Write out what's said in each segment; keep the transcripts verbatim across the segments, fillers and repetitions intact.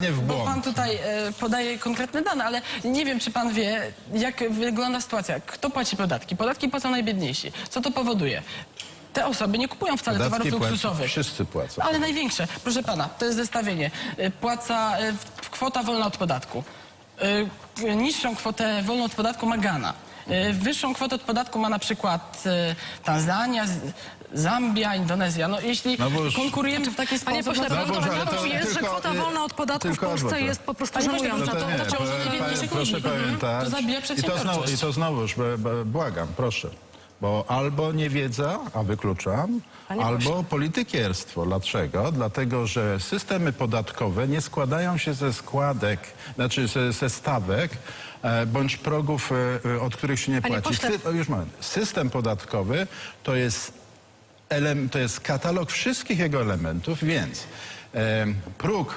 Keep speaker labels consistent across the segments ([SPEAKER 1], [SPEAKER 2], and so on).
[SPEAKER 1] w
[SPEAKER 2] Bo
[SPEAKER 1] błąd.
[SPEAKER 2] pan tutaj e, podaje konkretne dane, ale nie wiem, czy pan wie, jak wygląda sytuacja. Kto płaci podatki? Podatki płacą najbiedniejsi. Co to powoduje? Te osoby nie kupują wcale
[SPEAKER 1] Podatki
[SPEAKER 2] towarów
[SPEAKER 1] płacą,
[SPEAKER 2] luksusowych.
[SPEAKER 1] wszyscy płacą.
[SPEAKER 2] Ale największe, proszę pana, to jest zestawienie. E, Płaca e, w- kwota wolna od podatku. E, Niższą kwotę wolną od podatku ma Ghana. E, Wyższą kwotę od podatku ma na przykład e, Tanzania, Z- Zambia, Indonezja. No jeśli
[SPEAKER 1] No bo już-
[SPEAKER 2] konkurujemy w taki
[SPEAKER 3] Panie
[SPEAKER 2] sposób...
[SPEAKER 3] pośle,
[SPEAKER 2] no to-
[SPEAKER 1] Boże, ale
[SPEAKER 3] prawdą
[SPEAKER 1] to
[SPEAKER 3] jest, że
[SPEAKER 1] tylko,
[SPEAKER 3] kwota
[SPEAKER 1] y,
[SPEAKER 3] wolna od podatku w
[SPEAKER 1] tylko
[SPEAKER 3] Polsce
[SPEAKER 1] adwokat.
[SPEAKER 3] jest po prostu
[SPEAKER 2] Panie pośle,
[SPEAKER 3] żenująca.
[SPEAKER 2] no
[SPEAKER 3] To,
[SPEAKER 1] nie,
[SPEAKER 2] to ciąży
[SPEAKER 1] pa-
[SPEAKER 2] najbiedniejszych
[SPEAKER 1] pa- proszę
[SPEAKER 2] ludzi.
[SPEAKER 1] pamiętać.
[SPEAKER 2] To zabija
[SPEAKER 1] I to, znowu,
[SPEAKER 2] przedsiębiorczość.
[SPEAKER 1] I to znowuż, b- b- błagam, proszę. Bo albo niewiedza, a wykluczam,
[SPEAKER 3] Panie
[SPEAKER 1] albo
[SPEAKER 3] pośle.
[SPEAKER 1] politykierstwo. Dlaczego? Dlatego, że systemy podatkowe nie składają się ze składek, znaczy ze, ze stawek e, bądź progów, e, e, od których się nie
[SPEAKER 3] Panie
[SPEAKER 1] płaci.
[SPEAKER 3] pośle.
[SPEAKER 1] Sy- o, już moment. System podatkowy to jest Elem, to jest katalog wszystkich jego elementów, więc e, próg,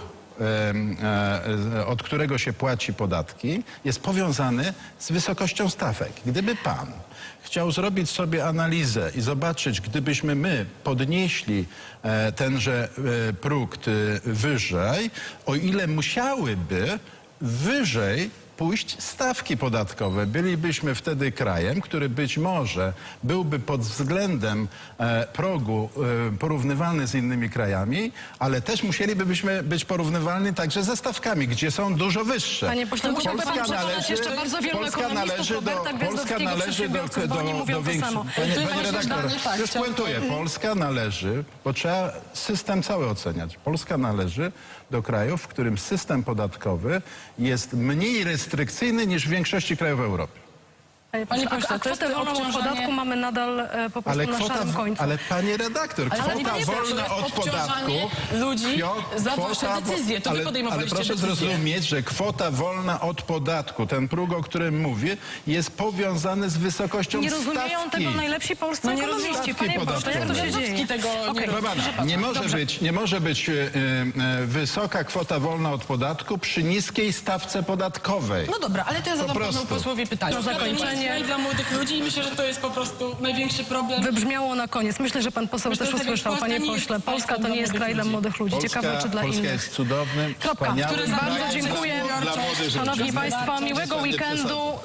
[SPEAKER 1] e, e, od którego się płaci podatki, jest powiązany z wysokością stawek. Gdyby pan chciał zrobić sobie analizę i zobaczyć, gdybyśmy my podnieśli e, tenże e, próg e, wyżej, o ile musiałyby wyżej pójść stawki podatkowe. Bylibyśmy wtedy krajem, który być może byłby pod względem e, progu e, porównywalny z innymi krajami, ale też musielibyśmy być porównywalni także ze stawkami, gdzie są dużo wyższe.
[SPEAKER 3] Panie pośle, musiałby pan przekonać jeszcze bardzo wielu
[SPEAKER 1] Polska
[SPEAKER 3] ekonomistów,
[SPEAKER 1] należy do,
[SPEAKER 3] Roberta
[SPEAKER 1] Polska
[SPEAKER 3] Gwiazdowskiego,
[SPEAKER 1] należy do,
[SPEAKER 3] przedsiębiorców, bo oni mówią to
[SPEAKER 1] większych-
[SPEAKER 3] samo.
[SPEAKER 1] Panie,
[SPEAKER 2] To jest
[SPEAKER 1] panie
[SPEAKER 2] właśnie
[SPEAKER 1] redaktor,
[SPEAKER 2] zdanie, tak,
[SPEAKER 1] już
[SPEAKER 2] chciałbym-
[SPEAKER 1] puentuję. Polska należy, bo trzeba system cały oceniać. Polska należy do krajów, w którym system podatkowy jest mniej restrykcyjny niż w większości krajów Europy.
[SPEAKER 3] Panie
[SPEAKER 2] Panie
[SPEAKER 3] pośle,
[SPEAKER 2] pośle,
[SPEAKER 3] a
[SPEAKER 2] to jest
[SPEAKER 3] kwotę wolną od
[SPEAKER 2] obciążanie-
[SPEAKER 3] podatku mamy nadal e, po prostu
[SPEAKER 1] Ale
[SPEAKER 3] na
[SPEAKER 1] kwota,
[SPEAKER 3] szarym końcu.
[SPEAKER 1] ale panie redaktor,
[SPEAKER 2] Ale
[SPEAKER 1] kwota
[SPEAKER 2] panie pośle,
[SPEAKER 1] wolna
[SPEAKER 2] to jest
[SPEAKER 1] od podatku.
[SPEAKER 2] obciążanie ludzi
[SPEAKER 1] kwio-
[SPEAKER 2] za
[SPEAKER 1] kwota
[SPEAKER 2] wasze
[SPEAKER 1] wo-
[SPEAKER 2] decyzje. To wy
[SPEAKER 1] ale,
[SPEAKER 2] podejmowaliście
[SPEAKER 1] ale proszę
[SPEAKER 2] decyzje.
[SPEAKER 1] zrozumieć, że kwota wolna od podatku, ten próg, o którym mówię, jest powiązany z wysokością
[SPEAKER 3] Nie rozumieją
[SPEAKER 1] stawki.
[SPEAKER 3] tego najlepsi polscy
[SPEAKER 2] No nie
[SPEAKER 3] ekonomiści.
[SPEAKER 1] rozumieją
[SPEAKER 3] Panie
[SPEAKER 1] stawki
[SPEAKER 3] pośle, jak to
[SPEAKER 1] podatkowej.
[SPEAKER 3] się dzieje?
[SPEAKER 2] Gwiazdowski tego nie
[SPEAKER 3] Okej.
[SPEAKER 2] robi.
[SPEAKER 1] Proszę pana,
[SPEAKER 2] Proszę pana,
[SPEAKER 1] nie może
[SPEAKER 3] dobrze.
[SPEAKER 1] być, nie może być e, e, wysoka kwota wolna od podatku przy niskiej stawce podatkowej.
[SPEAKER 2] No dobra, ale to ja zadam panu
[SPEAKER 1] prostu.
[SPEAKER 2] posłowi pytanie.
[SPEAKER 3] Na zakończenie-
[SPEAKER 2] Dla młodych ludzi i myślę, że to jest po prostu największy problem.
[SPEAKER 3] Wybrzmiało na koniec. Myślę, że pan poseł
[SPEAKER 2] Myślę,
[SPEAKER 3] też
[SPEAKER 2] że
[SPEAKER 3] usłyszał,
[SPEAKER 2] Polska
[SPEAKER 3] panie
[SPEAKER 2] nie jest
[SPEAKER 3] pośle. Polska
[SPEAKER 2] państwem
[SPEAKER 3] to nie
[SPEAKER 2] dla
[SPEAKER 3] jest
[SPEAKER 2] młodych
[SPEAKER 3] kraj dla
[SPEAKER 2] ludzi.
[SPEAKER 3] młodych ludzi. Ciekawe, czy dla
[SPEAKER 1] Polska
[SPEAKER 3] innych.
[SPEAKER 1] jest cudownym,
[SPEAKER 3] Kropka.
[SPEAKER 1] wspaniałym
[SPEAKER 2] Który
[SPEAKER 1] krajem
[SPEAKER 3] Bardzo
[SPEAKER 2] Bardzo
[SPEAKER 3] dziękuję.
[SPEAKER 1] dla młodych ludzi.
[SPEAKER 3] Szanowni Państwo,
[SPEAKER 2] Gospodarczą,
[SPEAKER 3] miłego
[SPEAKER 1] przesady,
[SPEAKER 3] weekendu.